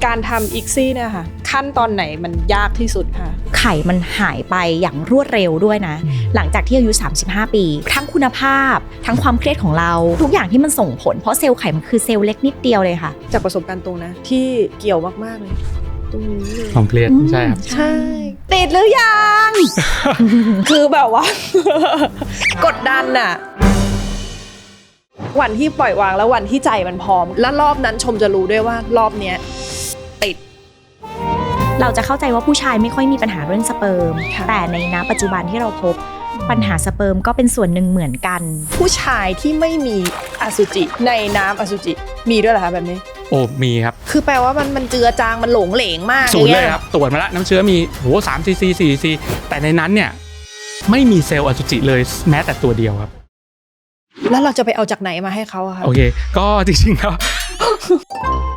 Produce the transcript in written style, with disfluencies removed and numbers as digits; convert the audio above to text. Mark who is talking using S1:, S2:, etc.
S1: การทำอีกซี่เนี่ยค่ะขั้นตอนไหนมันยากที่สุดคะ
S2: ไข่มันหายไปอย่างรวดเร็วด้วยนะหลังจากที่อายุ35 ปีทั้งคุณภาพทั้งความเครียดของเราทุกอย่างที่มันส่งผลเพราะเซลล์ไข่มันคือเซลล์เล็กนิดเดียวเลยค่ะ
S1: จากประสบการณ์ตรงนะที่เกี่ยวมากๆเลยตรงนี้เลย
S3: ความเครียดใช่ครับ
S1: ใช่ติดหรือยัง คือแบบว่า กดดันน่ะวันที่ปล่อยวางแล้ววันที่ใจมันพร้อมแล้วรอบนั้นชมจะรู้ด้วยว่ารอบเนี้ยติด
S2: เราจะเข้าใจว่าผู้ชายไม่ค่อยมีปัญหาเรื่องสเปิร์ม
S1: ค่ะ
S2: แต่ในณปัจจุบันที่เราพบปัญหาสเปิร์มก็เป็นส่วนหนึ่งเหมือนกัน
S1: ผู้ชายที่ไม่มีอสุจิในน้ำอสุจิมีด้วยเหรอคะแบบนี้
S3: โอ้มีครับ
S1: คือแปลว่ามันเจือจางมันหลงเหลงมาก
S3: ศูนย์
S1: อาง
S3: เล
S1: งี้
S3: ยครับตรวจมาแล้วน้ำเชื้อมี3 cc 4 cc แต่ในนั้นเนี่ยไม่มีเซลล์อสุจิเลยแม้แต่ตัวเดียวครับ
S1: แล้วเราจะไปเอาจากไหนมาให้เขาอะคะ
S3: โอเค ก็จริงๆแล้ว